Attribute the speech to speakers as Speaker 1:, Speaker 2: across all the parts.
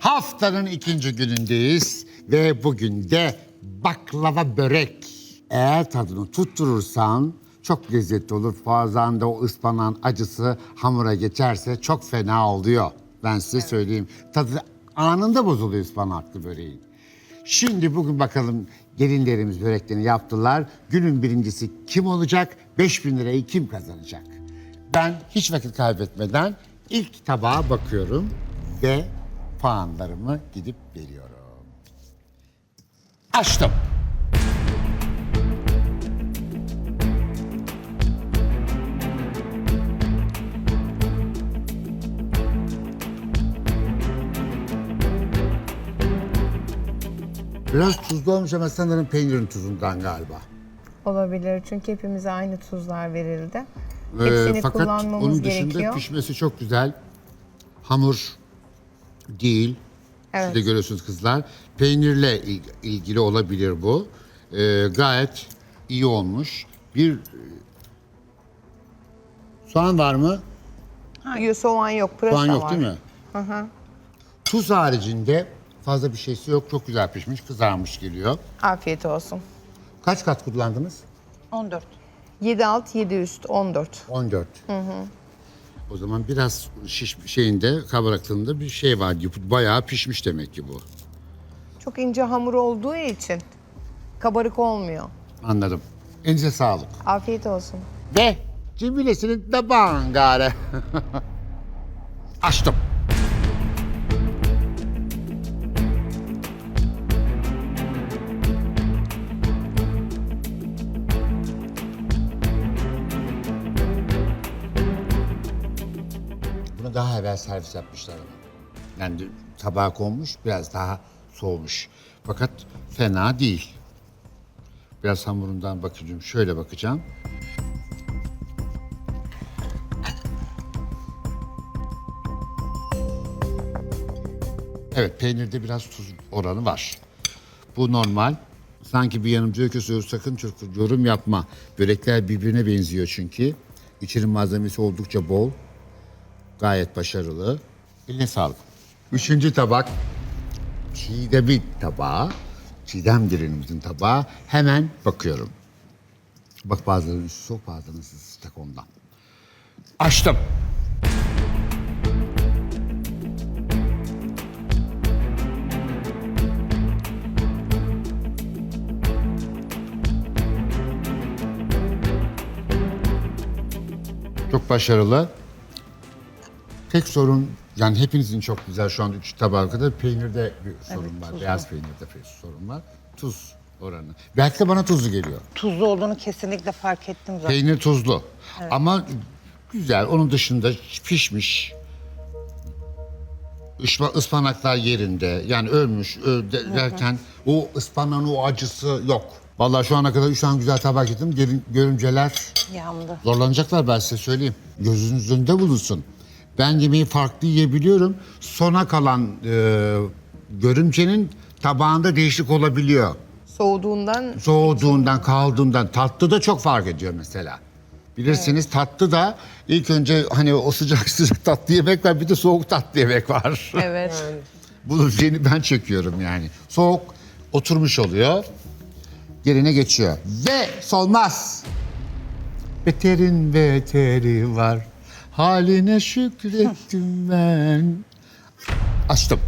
Speaker 1: Haftanın ikinci günündeyiz ve bugün de baklava börek. Eğer tadını tutturursan çok lezzetli olur. Bazen de o ıspanağın acısı hamura geçerse çok fena oluyor. Ben size söyleyeyim. Tadı anında bozuluyor ıspanaklı böreğin. Şimdi bugün bakalım gelinlerimiz böreklerini yaptılar. Günün birincisi kim olacak? 5.000 lirayı kim kazanacak? Ben hiç vakit kaybetmeden ilk tabağa bakıyorum ve puanlarımı gidip veriyorum. Açtım. Biraz tuzlu olmuş ama sanırım peynirin tuzundan galiba.
Speaker 2: Olabilir çünkü hepimize aynı tuzlar verildi. Hepsini
Speaker 1: Fakat
Speaker 2: kullanmamız
Speaker 1: onun dışında
Speaker 2: gerekiyor.
Speaker 1: pişmesi çok güzel. Hamur değil.
Speaker 2: Evet.
Speaker 1: Siz de görüyorsunuz kızlar. Peynirle ilgili olabilir bu. Gayet iyi olmuş. Bir soğan var mı?
Speaker 2: Hayır, soğan yok, pırasa
Speaker 1: Soğan yok
Speaker 2: var.
Speaker 1: değil mi?
Speaker 2: Hı hı.
Speaker 1: Tuz haricinde fazla bir şeysi yok. Çok güzel pişmiş, kızarmış geliyor.
Speaker 2: Afiyet olsun.
Speaker 1: Kaç kat kullandınız?
Speaker 3: 14.
Speaker 2: 7 alt, 7 üst, 14.
Speaker 1: 14. O zaman biraz şeyinde, kabaraklığında bir şey var. Bayağı pişmiş demek ki bu.
Speaker 2: Çok ince hamur olduğu için kabarık olmuyor.
Speaker 1: Anladım. Elinize sağlık.
Speaker 2: Afiyet olsun.
Speaker 1: Ve cimbilesinin de bangare. Açtım. Bunu daha evvel servis yapmışlar ama. Yani tabağa konmuş, biraz daha soğumuş. Fakat fena değil. Biraz hamurundan bakacağım. Şöyle bakacağım. Evet, peynirde biraz tuz oranı var. Bu normal. Sanki bir yanımcı öyküsü sakın çok yorum yapma. Börekler birbirine benziyor çünkü. İçinin malzemesi oldukça bol. Gayet başarılı. Eline sağlık. Üçüncü tabak. Çiğdem'in tabağı. Çiğdem gelinimizin tabağı. Hemen bakıyorum. Bak bazıları üstü soğuk, bazıları sıcak ondan. Açtım. Çok başarılı. Tek sorun, yani hepinizin çok güzel şu anda 3 tabağa kadar peynirde bir sorun var. Beyaz peynirde bir sorun var. Tuz oranı. Belki de bana tuzlu geliyor.
Speaker 3: Tuzlu olduğunu kesinlikle fark ettim zaten.
Speaker 1: Peynir tuzlu. Ama güzel. Onun dışında pişmiş. Ispanaklar yerinde. Yani ölmüş derken o ıspanağın o acısı yok. Vallahi şu ana kadar 3 tane güzel tabak yedim. Görümceler
Speaker 3: Yandı.
Speaker 1: zorlanacaklar, ben size söyleyeyim. Gözünüz önünde bulunsun. Ben yemeği farklı yiyebiliyorum. Sona kalan görümcenin tabağında değişiklik olabiliyor. Soğuduğundan, kaldığından. Tatlı da çok fark ediyor mesela. Bilirsiniz tatlı da ilk önce hani o sıcak sıcak tatlı yemek var, bir de soğuk tatlı yemek var.
Speaker 2: Evet.
Speaker 1: Bunu ben çekiyorum yani. Soğuk oturmuş oluyor. Yerine geçiyor. Ve solmaz. Beterin beteri var. Haline şükrettim ben. Açtım.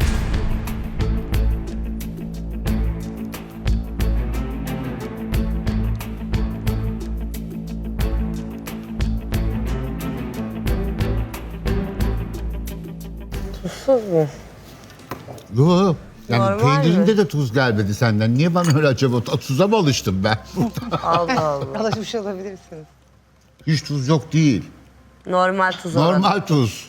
Speaker 3: Tuzsuz mu?
Speaker 1: Yok. Yani
Speaker 3: Normal
Speaker 1: peynirinde de tuz gelmedi senden. Niye bana öyle acaba? Tuza mı alıştım ben?
Speaker 4: Allah Allah.
Speaker 3: Alışmış olabilirsiniz.
Speaker 1: Hiç tuz yok değil.
Speaker 4: Normal tuz oranı.
Speaker 1: Normal tuz.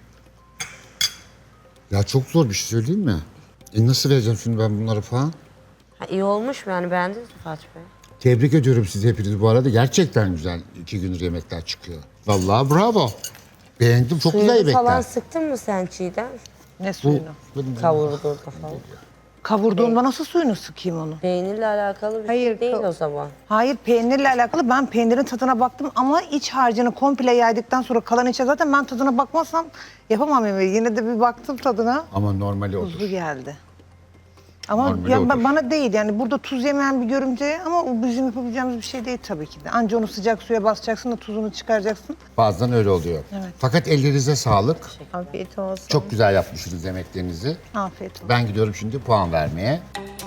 Speaker 1: Ya çok zor bir şey söyleyeyim mi? Nasıl vereceğim şimdi ben bunları falan?
Speaker 4: Ha, iyi olmuş mu yani, beğendiniz mi Fatih Bey?
Speaker 1: Tebrik ediyorum sizi hepiniz bu arada. Gerçekten güzel 2 gündür yemekler çıkıyor. Vallahi bravo. Beğendim, çok güzel
Speaker 4: Suyunu falan
Speaker 1: yemekler.
Speaker 4: sıktın mı sen Çiğdem?
Speaker 3: Ne suyunu?
Speaker 1: Bu-
Speaker 4: Kavurduğunda falan.
Speaker 3: Kavurduğunda nasıl suyunu sıkayım onu?
Speaker 4: Peynirle alakalı bir
Speaker 2: Hayır,
Speaker 4: şey değil o zaman.
Speaker 3: Hayır, peynirle alakalı. Ben peynirin tadına baktım ama iç harcını komple yaydıktan sonra kalan içe zaten ben tadına bakmazsam yapamam yemeği. Yine de bir baktım tadına.
Speaker 1: Ama normali odur.
Speaker 3: Tuzlu geldi. Ama
Speaker 1: Normali
Speaker 3: ya
Speaker 1: odur.
Speaker 3: bana değil yani burada tuz yemeyen bir görümce ama o bizim yapabileceğimiz bir şey değil tabii ki de. Anca onu sıcak suya basacaksın da tuzunu çıkaracaksın.
Speaker 1: Bazen öyle oluyor.
Speaker 3: Evet.
Speaker 1: Fakat ellerinize sağlık.
Speaker 2: Afiyet olsun.
Speaker 1: Çok güzel yapmışsınız yemeklerinizi.
Speaker 3: Afiyet olsun.
Speaker 1: Ben gidiyorum şimdi puan vermeye.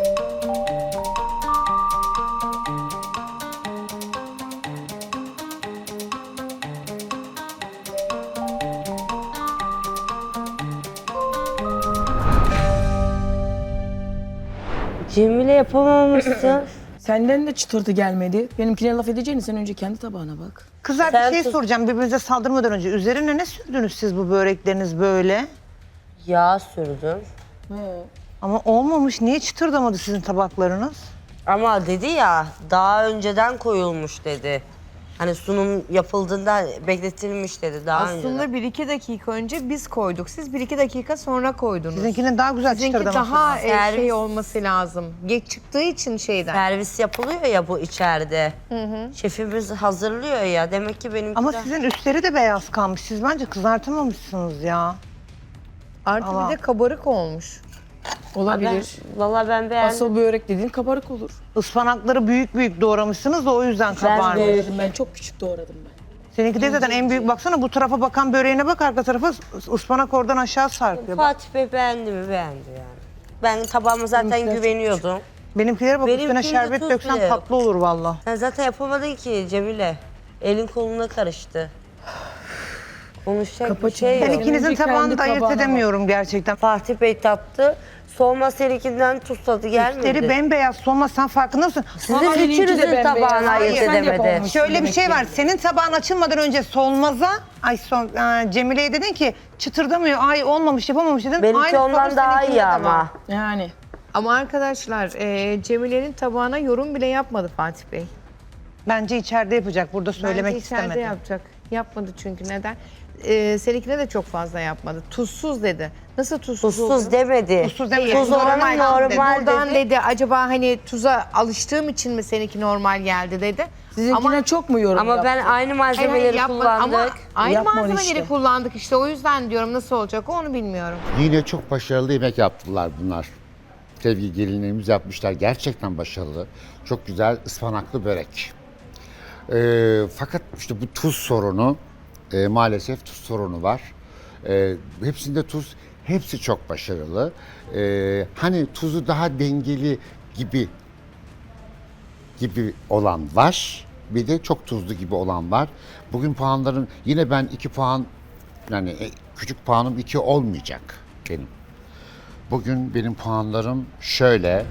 Speaker 4: Cemile yapamamışsın.
Speaker 5: Senden de çıtırtı gelmedi. Benimkine laf edeceğini sen önce kendi tabağına bak.
Speaker 3: Kızlar
Speaker 4: Sen
Speaker 3: bir şey
Speaker 4: tuz-
Speaker 3: soracağım birbirinize saldırmadan önce. Üzerine ne sürdünüz siz bu börekleriniz böyle?
Speaker 4: Yağ sürdüm.
Speaker 3: Ama olmamış. Niye çıtırdamadı sizin tabaklarınız?
Speaker 4: Ama dedi ya daha önceden koyulmuş dedi. Hani sunum yapıldığında bekletilmiş dedi daha önceden.
Speaker 2: Aslında 1-2 dakika önce biz koyduk. Siz 1-2 dakika sonra koydunuz.
Speaker 3: Sizinkinin daha güzel
Speaker 2: Sizinki
Speaker 3: çıtırdaması.
Speaker 2: daha
Speaker 4: Servis.
Speaker 2: şey olması lazım. Geç çıktığı için şeyden.
Speaker 4: Servis yapılıyor ya bu içeride. Şefimiz hazırlıyor ya. Demek ki benimki
Speaker 3: Ama
Speaker 4: de...
Speaker 3: sizin üstleri de beyaz kalmış. Siz bence kızartamamışsınız ya.
Speaker 2: Artı
Speaker 3: Allah.
Speaker 2: bir de kabarık olmuş.
Speaker 5: Olabilir.
Speaker 4: Valla ben beğendim.
Speaker 5: Asıl börek dediğin kabarık olur.
Speaker 3: Ispanakları büyük büyük doğramışsınız da o yüzden kabarmış.
Speaker 5: Doğradım ben, çok küçük doğradım ben.
Speaker 3: Seninki de zaten en büyük baksana bu tarafa bakan böreğine bak arka tarafa ıspanak oradan aşağı sarkıyor. Bak.
Speaker 4: Fatih Bey beğendi mi? Beğendi yani. Ben tabağıma zaten
Speaker 5: Benimkiler çok
Speaker 4: güveniyordum.
Speaker 3: Benimkilere bak
Speaker 4: Benimkinde
Speaker 3: üstüne şerbet
Speaker 4: tuz
Speaker 3: döksen
Speaker 4: bile yok.
Speaker 3: tatlı olur valla.
Speaker 4: Sen zaten yapamadın ki Cemile. Elin koluna karıştı. Konuşacak bir
Speaker 5: Kapatın.
Speaker 4: şey
Speaker 3: Ben
Speaker 4: yok.
Speaker 5: Önce
Speaker 3: ikinizin tabağını
Speaker 5: kendi
Speaker 3: da ayırt
Speaker 5: tabağına bak.
Speaker 3: edemiyorum gerçekten.
Speaker 4: Fatih Bey tattı. Soğuma seninkinden tuz tadı gelmedi.
Speaker 3: Üstleri bembeyaz solmaz sen farkında mısın?
Speaker 4: Sizin
Speaker 5: seninki de
Speaker 4: üçünüzün
Speaker 5: bembeyaz.
Speaker 4: tabağını ayırt
Speaker 5: Hayır, sen de
Speaker 4: edemedi.
Speaker 5: yapamamışsın.
Speaker 3: Şöyle bir şey var.
Speaker 5: Demek ki.
Speaker 3: Senin tabağın açılmadan önce solmaza Cemile'ye dedin ki çıtırdamıyor. Ay olmamış yapamamış dedin.
Speaker 4: Benimki
Speaker 3: Aynı
Speaker 4: ondan
Speaker 3: sorun
Speaker 4: daha
Speaker 3: seninkinde
Speaker 4: iyi
Speaker 3: de var.
Speaker 4: ama.
Speaker 5: Yani.
Speaker 2: Ama arkadaşlar Cemile'nin tabağına yorum bile yapmadı Fatih Bey.
Speaker 3: Bence içeride yapacak. Burada söylemek
Speaker 2: Bence içeride
Speaker 3: istemedi.
Speaker 2: yapacak. Yapmadı çünkü neden? Seninkine de çok fazla yapmadı. Tuzsuz dedi. Nasıl tuzsuz oldu?
Speaker 4: Tuzsuz demedi.
Speaker 3: Tuzsuz demedi.
Speaker 4: Tuz oranı normal
Speaker 2: Buradan
Speaker 4: dedi.
Speaker 2: dedi acaba hani tuza alıştığım için mi seninki normal geldi dedi.
Speaker 5: Sizinkine çok mu yorum
Speaker 4: Ama ben
Speaker 5: yaptın?
Speaker 4: aynı malzemeleri
Speaker 2: yapmadı. Ama
Speaker 4: kullandık.
Speaker 2: aynı
Speaker 5: Yapmadı
Speaker 2: malzemeleri
Speaker 5: işte.
Speaker 2: kullandık işte. O yüzden diyorum nasıl olacak onu bilmiyorum.
Speaker 1: Yine çok başarılı yemek yaptılar bunlar. Sevgili gelinlerimiz yapmışlar. Gerçekten başarılı. Çok güzel ıspanaklı börek. Fakat işte bu tuz sorunu, maalesef tuz sorunu var. Hepsinde tuz, hepsi çok başarılı. Hani tuzu daha dengeli gibi olan var. Bir de çok tuzlu gibi olan var. Bugün puanların yine ben 2 puan yani küçük puanım 2 olmayacak benim. Bugün benim puanlarım şöyle.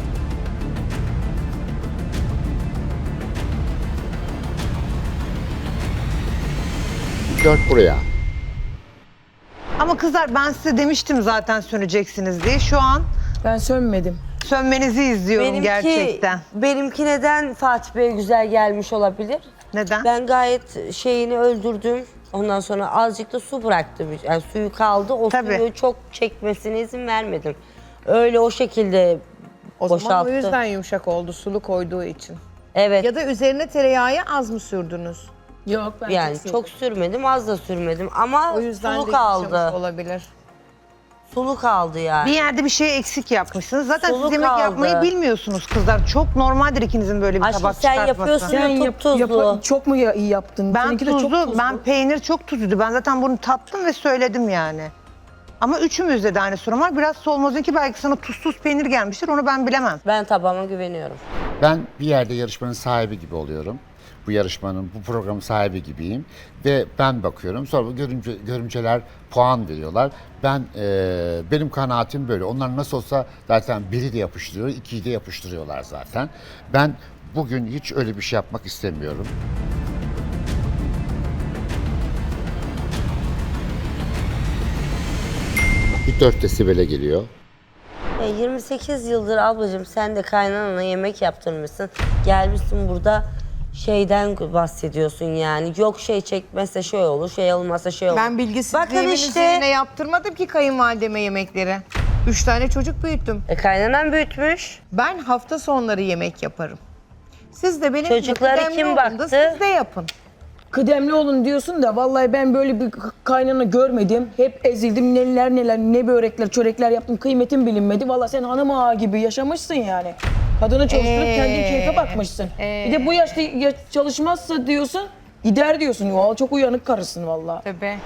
Speaker 1: Dört buraya.
Speaker 3: Ama kızlar ben size demiştim zaten söneceksiniz diye. Şu an
Speaker 5: Ben sönmedim.
Speaker 3: sönmenizi izliyorum gerçekten.
Speaker 4: Benimki neden Fatih Bey güzel gelmiş olabilir?
Speaker 3: Neden?
Speaker 4: Ben gayet şeyini öldürdüm. Ondan sonra azıcık da su bıraktım. Yani suyu kaldı. O
Speaker 3: Tabii.
Speaker 4: suyu çok çekmesine izin vermedim. Öyle o şekilde
Speaker 2: O zaman
Speaker 4: boşalttı.
Speaker 2: o yüzden yumuşak oldu sulu koyduğu için.
Speaker 4: Evet.
Speaker 2: Ya da üzerine tereyağı az mı sürdünüz?
Speaker 5: Yok ben
Speaker 4: Yani çok sürmedim, az da sürmedim ama
Speaker 2: O yüzden
Speaker 4: sulu
Speaker 2: de
Speaker 4: kaldı.
Speaker 2: yumuşamış olabilir.
Speaker 4: Sulu kaldı yani.
Speaker 3: Bir yerde bir şey eksik yapmışsınız. Zaten
Speaker 4: Sulu
Speaker 3: siz yemek
Speaker 4: kaldı.
Speaker 3: yapmayı bilmiyorsunuz kızlar. Çok normaldir ikinizin böyle bir
Speaker 4: Aşkım
Speaker 3: tabak
Speaker 4: sen
Speaker 3: çıkartması.
Speaker 4: yapıyorsun.
Speaker 5: Sen
Speaker 4: Tuzlu.
Speaker 5: çok mu iyi yaptın?
Speaker 3: Ben
Speaker 5: Seninki de çok
Speaker 3: tuzlu, ben peynir çok tuzluydu. Ben zaten bunu tattım ve söyledim yani. Ama üçümüzde de aynı sorun var. Biraz Solmaz'ınki belki sana tuzsuz peynir gelmiştir. Onu ben bilemem.
Speaker 4: Ben tabağıma güveniyorum.
Speaker 1: Ben bir yerde yarışmanın sahibi gibi oluyorum. Bu yarışmanın, bu programın sahibi gibiyim. Ve ben bakıyorum. Sonra bu görümceler puan veriyorlar. Benim kanaatim böyle. Onlar nasıl olsa zaten biri de yapıştırıyor, ikiyi de yapıştırıyorlar zaten. Ben bugün hiç öyle bir şey yapmak istemiyorum. Bir 4 desibele geliyor.
Speaker 4: 28 yıldır ablacığım sen de kaynanana yemek yaptırmışsın. Gelmişsin burada şeyden bahsediyorsun yani. Yok şey çekmezse şey olur, şey olmazsa şey olur.
Speaker 2: Ben bilgisizliğimin
Speaker 4: Bakın işte
Speaker 2: üzerine yaptırmadım ki kayınvalideme yemekleri. 3 tane çocuk büyüttüm.
Speaker 4: Kaynanan büyütmüş.
Speaker 2: Ben hafta sonları yemek yaparım. Siz de benim
Speaker 4: Çocuklara
Speaker 2: kıdemli
Speaker 4: kim
Speaker 2: olun da
Speaker 4: baktı?
Speaker 2: Siz de yapın.
Speaker 5: Kıdemli olun diyorsun da vallahi ben böyle bir kaynana görmedim. Hep ezildim neler neler ne börekler çörekler yaptım kıymetim bilinmedi. Vallahi sen hanım ağa gibi yaşamışsın yani. Kadını çalıştırıp kendin keyfe bakmışsın. Bir de bu yaşta çalışmazsa diyorsun gider diyorsun. Vallahi çok uyanık karısın vallahi.
Speaker 2: Tabii.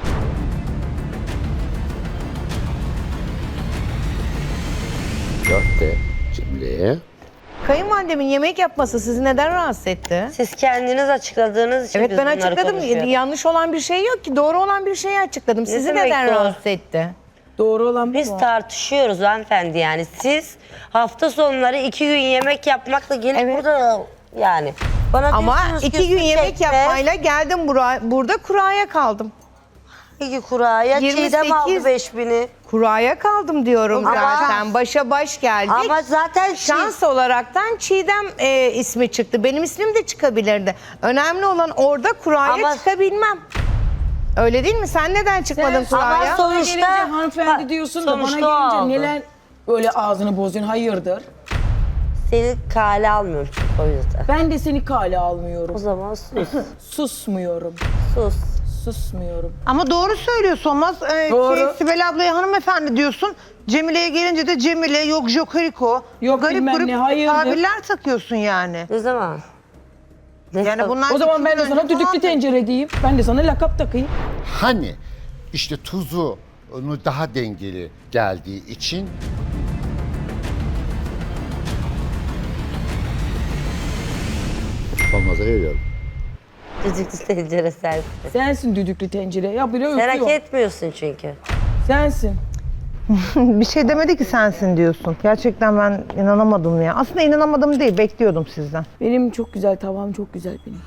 Speaker 1: Köfte, Cemile.
Speaker 2: Kayınvalidemin yemek yapması sizi neden rahatsız etti?
Speaker 4: Siz kendiniz açıkladığınız için
Speaker 2: Evet
Speaker 4: biz
Speaker 2: ben
Speaker 4: bunları
Speaker 2: açıkladım.
Speaker 4: konuşuyoruz.
Speaker 2: Yanlış olan bir şey yok ki. Doğru olan bir şeyi açıkladım. Sizi
Speaker 4: demek
Speaker 2: neden
Speaker 4: doğru?
Speaker 2: rahatsız etti?
Speaker 5: Doğru olan
Speaker 4: Biz
Speaker 5: bu.
Speaker 4: tartışıyoruz hanımefendi yani. Siz hafta sonları 2 gün yemek yapmakla gelip
Speaker 2: Evet.
Speaker 4: burada yani. Bana
Speaker 2: Ama
Speaker 4: diyorsunuz ki
Speaker 2: 2 gün
Speaker 4: su
Speaker 2: yemek
Speaker 4: çekme,
Speaker 2: yapmayla geldim burada kuraya kaldım.
Speaker 4: 2 kuraya
Speaker 2: 28
Speaker 4: Çiğdem aldı 5000'i.
Speaker 2: Kuraya kaldım diyorum
Speaker 4: Ama-
Speaker 2: zaten. Başa baş geldik.
Speaker 4: Ama zaten
Speaker 2: Şans olaraktan Çiğdem ismi çıktı. Benim ismim de çıkabilirdi. Önemli olan orada kuraya
Speaker 4: Ama-
Speaker 2: çıkabilmem. Öyle değil mi? Sen neden çıkmadın
Speaker 5: Sen-
Speaker 2: kuraya?
Speaker 4: Ama
Speaker 5: Bana
Speaker 4: sonuçta-
Speaker 5: gelince hanımefendi
Speaker 4: Ha,
Speaker 5: diyorsun da bana
Speaker 4: sonuçta o
Speaker 5: gelince
Speaker 4: aldı.
Speaker 5: neler böyle ağzını bozuyorsun hayırdır?
Speaker 4: seni kale almıyorum çünkü o yüzden.
Speaker 5: Ben de seni kale
Speaker 4: O
Speaker 5: almıyorum.
Speaker 4: zaman sus.
Speaker 5: Susmuyorum.
Speaker 4: Sus.
Speaker 5: Susmuyorum.
Speaker 3: Ama doğru söylüyor Solmaz.
Speaker 5: Doğru.
Speaker 3: Sibel ablaya hanımefendi diyorsun. Cemile'ye gelince de Cemile, yok Jokeriko.
Speaker 5: Yok
Speaker 3: garip
Speaker 5: bilmem
Speaker 3: garip
Speaker 5: ne, hayırdır.
Speaker 3: tabirler takıyorsun yani.
Speaker 4: Ne zaman? Ne
Speaker 3: Yani
Speaker 4: zaman?
Speaker 3: bunlar
Speaker 5: O zaman
Speaker 3: iki
Speaker 5: ben de
Speaker 3: gün
Speaker 5: sana
Speaker 3: önce
Speaker 5: düdüklü
Speaker 3: falan-
Speaker 5: tencere diyeyim. Ben de sana lakap takayım.
Speaker 1: Hani işte tuzunu daha dengeli geldiği için olmaza veriyorum.
Speaker 4: Düdüklü tencere sensin.
Speaker 5: Sensin düdüklü tencere. Ya bile
Speaker 4: Sen hak
Speaker 5: öpüyor.
Speaker 4: etmiyorsun çünkü.
Speaker 5: Sensin.
Speaker 3: Bir şey demedi ki sensin diyorsun. Gerçekten ben inanamadım ya. Aslında inanamadım değil, bekliyordum sizden.
Speaker 5: Benim çok güzel tavam çok güzel benim.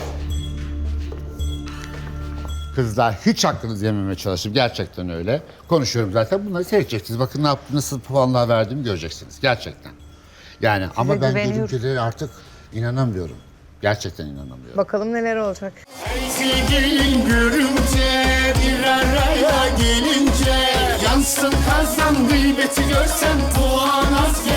Speaker 1: Kızlar hiç hakkınızı yememeye çalıştım. Gerçekten öyle. Konuşuyorum zaten. Bunları seyredeceksiniz. Bakın ne yaptım, nasıl puanlar verdiğimi göreceksiniz. Gerçekten. Yani ama ben
Speaker 2: güveniyorum.
Speaker 1: görüntülere artık inanamıyorum. Gerçekten inanamıyorum.
Speaker 2: Bakalım neler olacak.
Speaker 6: Sevgilin görünce bir araya gelince yansın kazan gıybeti görsen puan az